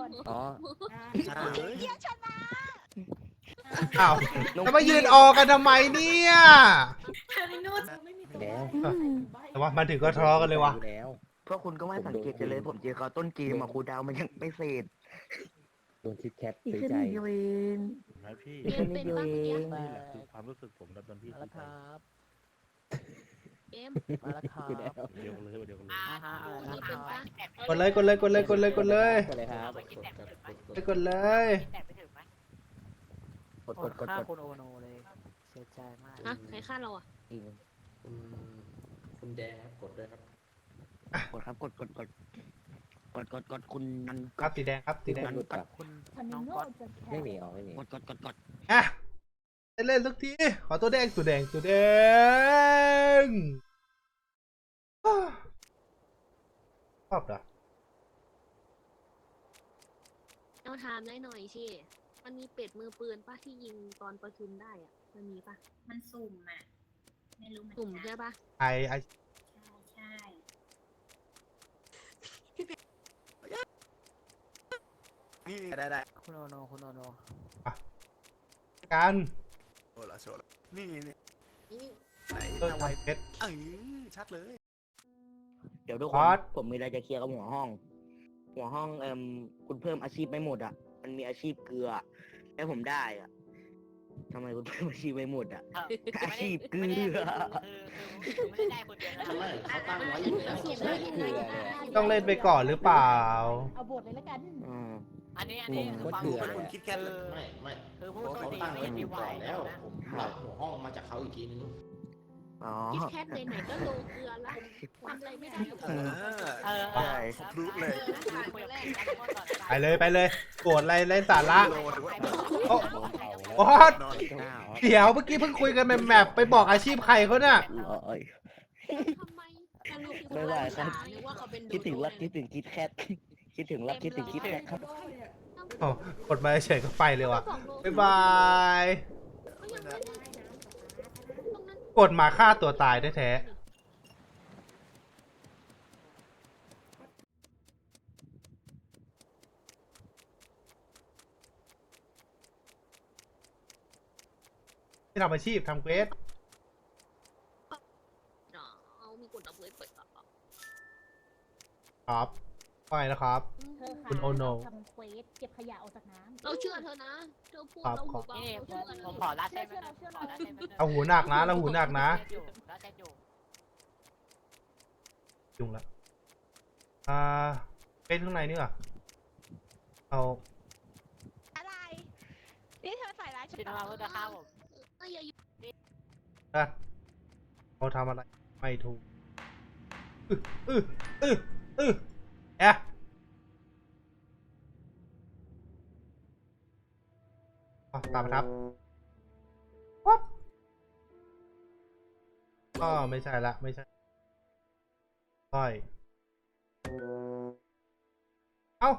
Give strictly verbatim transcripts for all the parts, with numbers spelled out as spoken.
อ๋อเยี่ยมชนะอ้าวจะมายืนออกกันทำไมเนี่ยแล้วแต่ว่ามาถึงก็ทะเลาะกันเลยวะแล้วเพราะคุณก็ไม่สังเกตกันเลยผมเจอเขาต้นเกมอะครูดาวมันยังไม่เสร็จโดนคิดแคทอีกซื้อแค่ใจนิดเดียวเองนะพี่อีกแค่นิดเดียวเองนี่แหละคือความรู้สึกผมตอนพี่มาซื้แล้อวไปครับเกมมาแล้วครับเดียวกันเลยเดียวกันเลยนี่เป็นปะกดเลยกดเลยกดเลยกดเลยกดเลยกดเลยครับกดเลยกดกดกดกดคุณโอโนเลยเสียใจมากฮะใครฆ่าเราอ่ะอีกหนึ่งคุณคุณแดงครับกดด้วยครับกดครับกดกดกดกดกดกดคุณนันครับสีแดงครับสีแดงหลุดป่ะคุณคนน้องโง่ก๊อตจะแคไม่มีอ๋อไม่มีกดกดกดกดอ่ะได้เล่นสักทีขอตัวแดงตัวแดงตัวแดงอ้าวชอบเหรอเอาถามได้หน่อยชิมันมีเป็ดมือปืนปะที่ยิงตอนประชุมได้อ่ะมันมีปะมันสุ่มอ่ะ ไม่รู้เหมือนกลุ่มกัใช่นปะไอไอใช่ใช่นี่ได้ได้คุณโอโนคุณโอโนกันโชว์ละโชว์ละนี่นี่ไหนเออเอาไว้ทำเพชรเอ้ยชัดเลยเดี๋ยวทุกคคอน ร์สผมมีอะไรจะเคลียร์กับหัวห้อง หัวห้องเอ่มคุณเพิ่มอาชีพไม่หมดอ่ะ มันมีอาชีพเกลือแล้วผมได้อ่ะทำไมคุณเพิ่มอาชีพไม่หมดอ่ะ อาชีพเกลือคือคือไม่ได้ได้คนเดียวนะทำไมเขาตั้งไว้อยู่แล้วเขียนไว้ยังไงอะต้องเล่นไปก่อนหรือเปล่าเอาบทเลยแล้วกันอืมอันนี้อันนี้คือความคุรู้ณคุณคิดแค่เลยไม่ไม่คือเพผู้ราะโชเขาคดีตั้งไม่ไว้ได้อยู่ไหวก่อนแล้แล้ววนะผมรับหัวห้องมาจากเขาอีกทีนึงอ๋อคิดแคทไหนๆก็โลเกลือละทำอะไรไม่ได้เออเออใช่รู้เลยไปเลยไปเลยโกรธอะไรไร้สาระโลหรือว่าโอ้โอ้บอสนอนหน้าอ๋อเดี๋ยวเมื่อกี้เพิ่งคุยกันแมปๆไปบอกอาชีพใครเขาเนี่ยเอ้ยทำไมสรุปคือคนละสาหรือว่าเขาเป็นคิดถึงรักคิดถึงคิดแคทคิดถึงรักคิดถึงคิดแคทครับโอ้กดมาเฉยก็ไปเลยว่ะบ๊ายบายก็ยังไม่ได้นะตรงนั้นกดมาฆ่าตัวตายแท้ๆที่ทำอาชีพทำเควสเอามีกดเอาเปิดเปิดต่อครับว่าไงนะครับเธอคุณโอโนทำเควสเก็บขยะออกจากน้ำเราเชื่อเธอนะเธอพูดเราหูเบานี่เราเชื่อผมเธขออรัดใช่ไหมขอรัดใช่ไหมเอาหูหนักนะเราหูหนักนะรัดใช่อยู่ยุ่งละอ่าเป็นข้างในนี่เหรอเอาอะไรนี่เธอใส่ร้ายฉันที่น้องเราจะฆ่าผมเอ้ยอย่าอยู่ดัดเขาทำอะไรไม่ถูกอื้ออื้ออื้ออื้อแอะอ๋อตามมาครับวัดก็ไม่ใช่ละไม่ใช่ก้อยเอ้า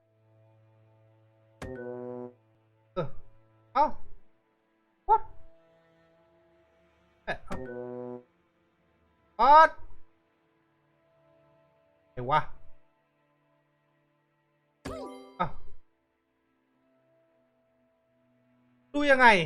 เออเอ้าวัดเอ๊ะเอ้าวัดเดี๋ยววะอ่ะดูยังไง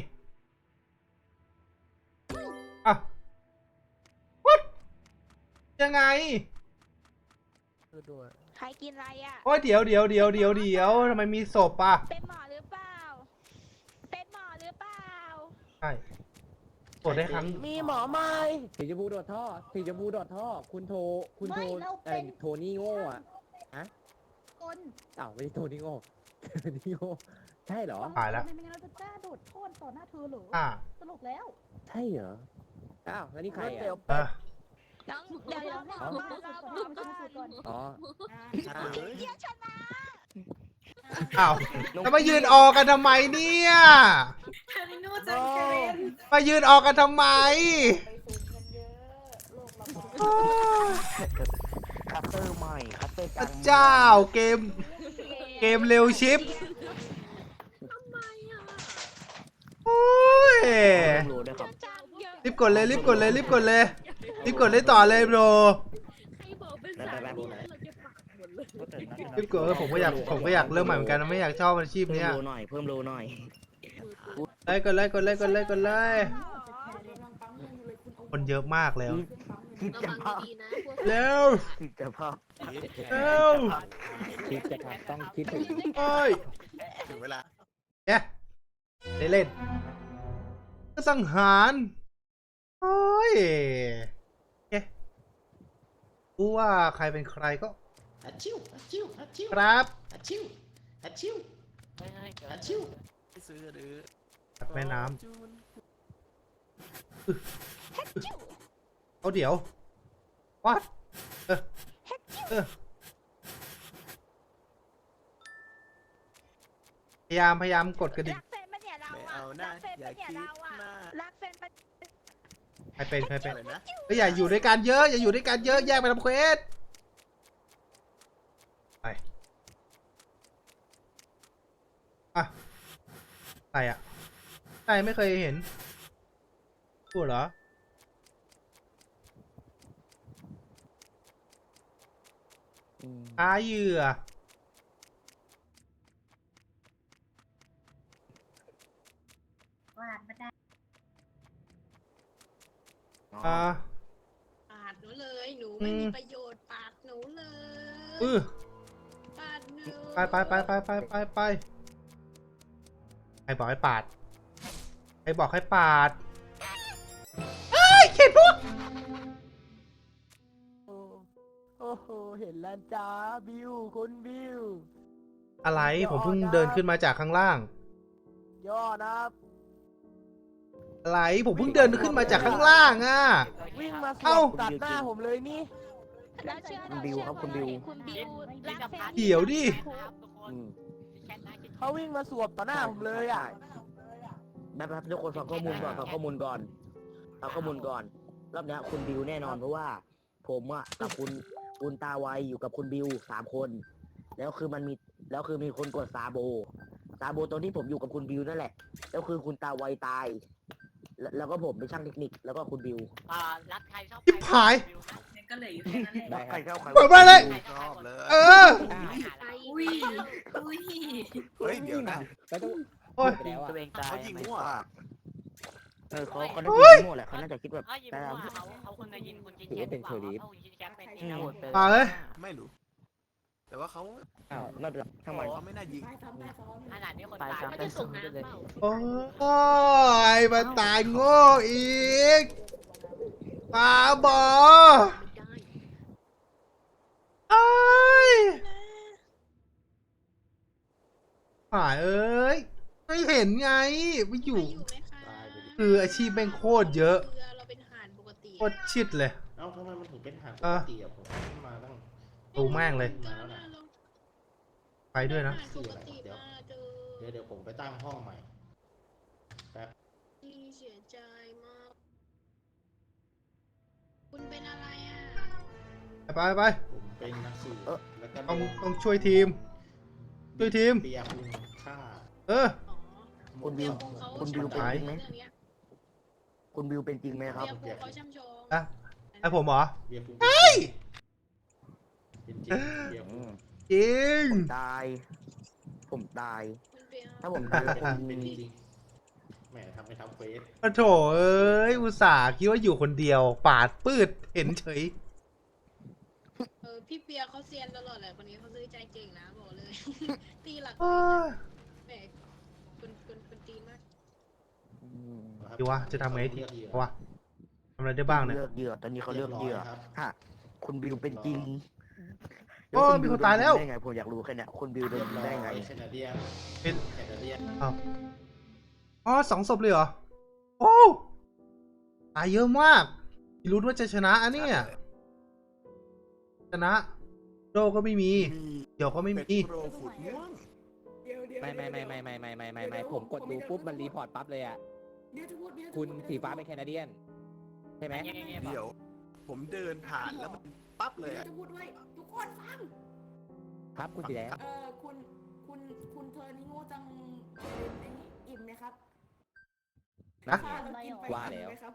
อ่ะวัดยังไงคือด้วยใครกินอะไรอ่ะโอ้ยเดี๋ยวเดี๋ยวเดี๋ยวเดี๋ยวเดี๋ยวทำไมมีศพอ่ะเป็นหมอหรือเปล่าเป็นหมอหรือเปล่าใช่ตรวจได้ครั้งมีหมอไหมสีชมพูโดดท่อสีชมพูโดดท่อ คุณโท คุณโทไม่เราเป็นอะไรโทนี่โง่อะคนอ้าวไม่ใช่โทนี่โง่โทนี่โง่ใช่เหรอตายแล้วไม่งั้นเราจะกล้าโดดโทษต่อหน้าเธอเหรออ่าสรุปแล้วใช่เหรอ อ้าวแล้วนี่ใครเดี๋ยวอ่ะอ่ะน้องเดี๋ยวเดี๋ยวเราเราเราก่อนอ๋อชัดเลยเยี่ยมชนะอ้าวจะมายืนออกกันทำไมเนี่ยมายืนออกกันทำไมคัตเตอร์ใหม่คัตเตอร์พกลาระงเจ้าเกมเกมเร็วชิปทำไมอ่ะโอ้ยรู้ด้วยครับจังเยอะรีบกดเลยรีบกดเลยรีบกดเลยรีบกดเลยต่อเลยโบรใครบอกเป็นสายนี้เราจะปากหมดเลยรีพี่เก๋ผมก็อยากผมก็อยากเริ่มใหม่เหมือนกันนะไม่อยากชอบอาชีพเพิ่มเนี้ยโลหน่อยเพิ่มโลหน่อยมือปืนไล่กดไล่กดไล่กดไล่กดไล่คนเยอะมากแล้วคิดระจะวังพอดีๆนะพวกเร็วคิดจะพอเร็วคิดจะทำต้องคิดถึงโอ้ยถึงเวลาเนี่ยได้เล่นก็สังหารโอ้ยเอ๊ะรู้ว่าใครเป็นใครก็ฮัตชิวฮัตชิวฮัตชิวครับฮัตชิวฮัตชิวเฮ้ยเฮ้ยเดี๋ยวฮัตชิวไปซื้อหรือตัดแม่น้จูนำเอาเดี๋ยววัดเออเออพยายามพยายามกดกระดิ่งรักแฟนปะเนี่ยเราไม่อะเอานะรักแฟนอย่าปะเนี่ยคิดเราอะมากรักแฟนปะใครเป็นใครเป็นอะไรนะเฮ้ยอย่าอยู่ด้วยกันเยอะอย่าอยู่ด้วยกันเยอะแยกไปทำเควสไปอ่ะใครอ่ะใครไม่เคยเห็นพูดเหรออืมหาเหยื่อวาดมาได้อ่าปาดหนูเลย หนูไม่อืมมีประโยชน์ปาดหนูเลยอือปาดหนูไปไปไปไปไปไปไปใครบอกให้ปาดใครบอกให้ปาดเอ้ยเข็ดพวกโอ้โหเห็นแล้วจ้าบิวคุณบิวอะไรผมเพิ่งเดินขึ้นมาจากข้างล่างย่อนะอะไรผมเพิ่งเดินขึ้นมาจากข้างล่างอ่ะวิ่งมาสเอ้าวมตัดหน้าผมเลยนี่เราเชื่อคุณบิวครับคุณบิวคุณบิวรักแฟนเดี๋ยวดิครับทุกคนอืมแค่นั้นคิดเขาวิ่งมาสวมต่อหน้าผมเลยอ่ะแบบแบบทุกคนฟังข้อมูลก่อนฟังข้อมูลก่อนฟังข้อมูลก่อนรอบเนี้ยคุณบิวแน่นอนเพราะว่า ผมอะกับคุณคุณตาไวอยู่กับคุณบิวสามคน แล้วคือมันมีแล้วคือมีคนกดซาโบซาโบตอนที่ผมอยู่กับคุณบิวนั่นแหละ แล้วคือคุณตาไวตาย แล้วแล้วก็ผมเป็นช่างเทคนิคแล้วก็คุณบิวอ่ารักใครชอบชิบหายบิวนะก็เหลืออยู่แค่นั้นแหละใครเข้าใครเปิดมาเลยชอบเลยเออไอ้อุ้ยอุ้ยเฮ้ยเดี๋ยวนะแล้วต้องโอ้ยไปแล้วอ่ะตัวเองตายเขายิงมั่วเออเขาเขาน่าจะยิงมั่วแหละเขาน่าจะคิดแบบเขายิงแต่มั่วเอาเอาคนมายิงคนจินแคปหรือเปล่าเอาคนจินแคปเป็นนี่นะมาเลยไม่รู้ แต่ว่าเขาอ้าวน่าจะทั้งมันเขาไม่น่ายิงขนาดนี้คนตายไม่ได้ส่งน้ำเปล่าโอ้ยมาตายโง่อีกมาบอไม่ได้เอ้ยหายเอ้ยไม่เห็นไงไม่อยู่อยู่ไหมคะตายไปดิคืออาชีพแม่งโคตรเยอะเรือเราเป็นทหารปกติโคตรชิดเลยเอ้าทำไมมันถึงเป็นหางปเอก อติอะผมขึ้นมาตั้งดูแม่งเลยมาแล้วนะไปด้วยนะทหารปกติมาเจอเดี๋ยวเดี๋ยวผมไปตั้งห้องใหม่ที่เสียใจมาก คุณเป็นอะไรอ่ะไปไปผมเป็นนักสืบแล้วก็ต้องต้องช่วยทีม ช่วยทีมเปียคุณฆ่าเอออ๋อคุณบิวเปียกเขาคุณบิวเป็นจริงไหมเรื่องเนี้ยคุณบิวเป็นจริงไหมครับเปียกเขาช่ำชองอ่ะ ไอผมเหรอเบียร์คุณเฮ้ยเป็นจริงเบียร์อืคุณมจริงผมตาย ผมตายคุณเปียกถ้าผมตายแล้วคุณเป็นจริงแหมทำไปทำเฟสปะโถเอ้ย อุตส่าห์คิดว่าอยู่คนเดียว ปาดปืดเห็นเฉยเออพี่เปียกเขาเซียนตลอดแหละคนนี้เขาซื้อใจเก่งนะบอกเลย ตีหลักอ้าแหมคุณคุณคุณตีมากอืมดีวะจะทำไงทีวะทำอะไรได้บ้างเนี่ยเลือกเหยื่อตอนนี้เขาเลือกเหยื่อครับฮะคุณบิวเป็นจริงโอ้ยมีคนตายแล้วได้ไงผมอยากรู้แค่เนี้ยคุณบิวโดเรียนบร้อยได้ไงแคนาเดียนเป็นแคนาเดียนอ๋อสองศพเลยเหรอ โอ้ตายเยอะมากรู้ว่าจะชนะอันเนี้ยชนะ โดก็ไม่มี เดี๋ยวก็ไม่เป็ดมีโปรขุดม่วงไม่ไม่ไม่ไม่ไม่ไม่ไม่ไม่ไม่ผมกดดูปุ๊บมันรีพอร์ตปั๊บเลยอ่ะ คุณสีฟ้าเป็นแคนาเดียน ใช่ไหมเงี้ยเงี้ยเดี๋ยว ผมเดินผ่านแล้วมันปั๊บเลยอะจะพูดด้วยทุกคนฟังครับคุณสีแดงเออคุณคุณคุณเธอนี่โง่จังไอ้นี่อิ่มไหมครับนะข้าวเรากินไปว่าแล้วอิ่มไหมครับ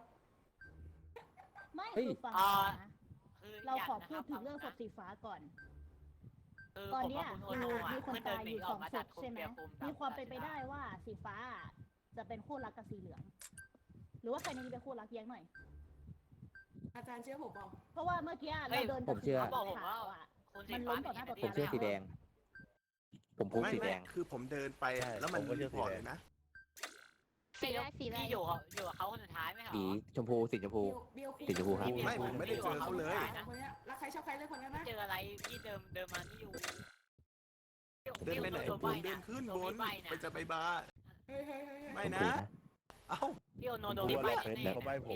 ไม่เฮ้ยคือฟังอ่านะคือเราขอนะพูคดบถึงเรื่องศพสีฟ้าก่อนคือตอนผมเนี้ยกับคุณโอคือโนะมีคนเพิ่งตายเดิอยู่หสองมาศจากพใช่ไหมคุกมีความเป็นไปได้ว่าสีฟ้าจะเป็นคู่รักกับสีเหลือง หรือว่าใครในนี้เป็นคู่รักแย้งหน่อยอาจารย์เชื่อผมเปล่าเพราะว่าเมื่อกี้เฮ้เรายเดินผมเชื่อกับบอกสีผมขาว่าวอ่ะคุณมันสีล้ฟ้ามต่อหน้าต่อป็ผมเชื่อสีแดง ผมพูดไม่สีแดไม่งคือผมเดินไปอะใช่แล้วมันผมก็เชื่รีอพอร์ตสีแดงเลยนะสีแดงสีแดงพี่อยู่กับอยู่กับเขาคนสุดท้ายไหมเหรอสีชมพูสีชมพูเบลสีชมพูครับไม่ผมไม่ได้เจอเขาเลยคนเนี้ยแล้วใครชอบใครเลยคนนั้นนะเจออะไรพี่เดิมเดิมมาที่อยู่เดินไปไหนพี่โผมเดินขึ้นบนไปไปจะไปบาร์เฮ้ยเฮ้ยเฮ้ยเฮ้ยไม่โอนะเคนะเอ้าพี่โอโนผมโดกนลัวไปแล้วเฟสแน่เขาใบผม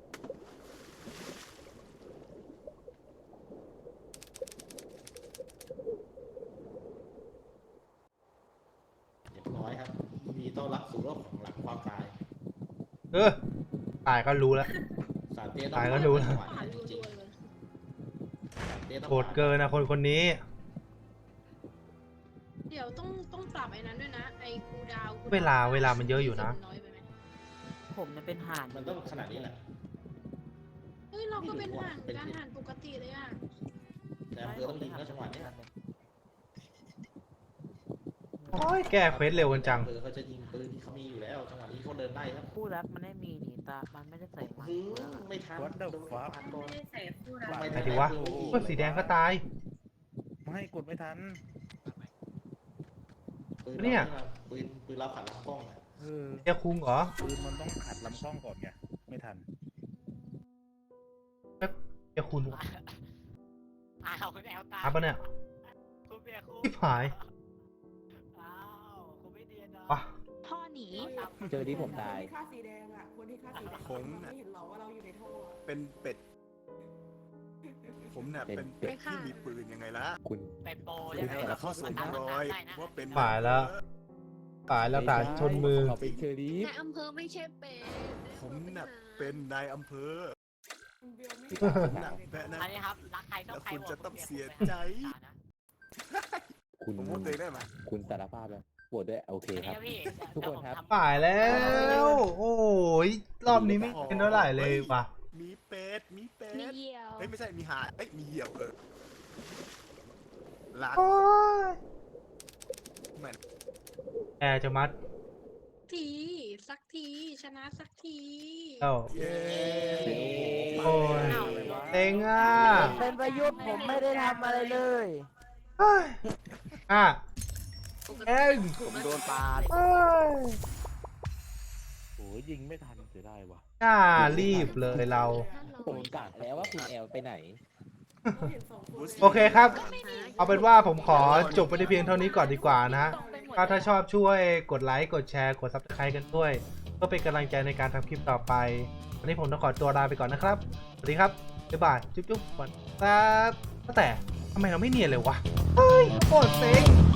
เรียบร้อยครับมีต้อนรับสู่โลกของหลังความตายเออตายก็รู้แล้วสารเตี้ยต้องตายก็รู้แล้วจังหวะผ่านนี้จรัริงวๆเลยๆสารเตี้ยต้องโหดเกินนะคนคนนี้เดี๋ยวต้องต้องปรับไอ้นั้นด้วยนะ ไอ้คูลดาวน์คูดเวลาเวลามันเยอะอยู่นะน้อยไปไหมผมเนี่ยเป็นห่านมันต้องขนาดนี้แหละเฮ้ยเราก็เป็นห่านการห่านปกติเลยอ่ะแต่อำเภอต้องยิงแล้วจังหวะเนี้ยโอ้ยแก้เควสเร็วกันจังอำเภอเขาจะยิงปืนที่เขามีอยู่แล้วจังหวะนี้เขาเดินไล่ครับคู่รักมันไม่มีนี่ตามันไม่ได้ใส่มาหืมไม่ทัน What the โดน fuck ปาดก่อนไม่ได้ใส่คู่รักทำไมไหนดีวะโอ้โหเพื่อนสีแดงก็ตายไม่กดไม่ทันปืนเนี่ยราปืนปืนเราขัดลำกล้องอะเออเจ้าคุงเหรอปืนมันต้องขัดลำกล้องก่อนไง ไม่ทันเจ้าคุณอ้าวคุณแอลตาอัพปะเนี่ยคุณเบียร์คุณชิบหายอ้าวคุณไม่เดียนเนาะวะพ่อหนีเจอที่ผมตายคนที่ฆ่าสีแดงอ่ะ คนที่ฆ่าสีแดงผมน่ะไม่เห็นหรอว่าเราอยู่ในท่ออะเป็นเป็ด ผมเนี่ยเป็เป็น นเป็เป็ดดที่มีปืนยังไงล่ะคุณเป็นโปรเดี๋ใช่ยวไหมแต่ข้อสวมรอยว่าเป็นฝ่ายแล้ว ตายแล้วตายชนมือเขาเป็นเชอรี่ในอำเภอไม่ใช่เป็ดผมน่ะเป็นนายอำเภอเบลไม่ผมน่ะแพ้นะอันนี้ครับรักใครชอบใครแล้วคุณจะต้องเสียใจคุณผมพูดตัวเองได้ไหมคุณสารภาพแล้วโหวตด้วย โอเคครับ ทุกคนครับฝ่ายแล้ว โอ้ยรอบนี้ไม่เป็นเท่าไหร่เลยว่ะมีเป็ด มีเป็มีดเหยี่ยวเฮ้ยไม่ใช่ มีหาเอ้ย มีเหยี่ยวเออลาดโอ้ยเหมือนแอร์จะมัดทีสักทีชนะสักทีเอ้าเย้โอ้ยเต็งอ่ะเป็นประยุทธ์ผมไม่ได้ทำอะไรเลยเฮ้ยอ่ะเอ็งผมโดนปาดเอ้ยโอ้ยยิงไม่ทันเสียดายว่ะน่ารีบเลยเราผมกะแล้วว่าคุณแอลไปไหนเราเห็นสองคนโอเคครับ เอาเป็นว่าผมขอจบไปในเพียงเท่านี้ก่อนดีกว่านะฮะ ถ้าถ้าชอบช่วยกดไลค์ กดแชร์ กด ซับสไครบ์ กันด้วย เพื่อเป็นกำลังใจในการทำคลิปต่อไป วันนี้ผมต้องขอตัวลาไปก่อนนะครับ สวัสดีครับ บ๊ายบาย จุ๊บๆก่อนครับแต่ทำไมเราไม่เนียนเลยวะ เฮ้ยโคตรเซ็ง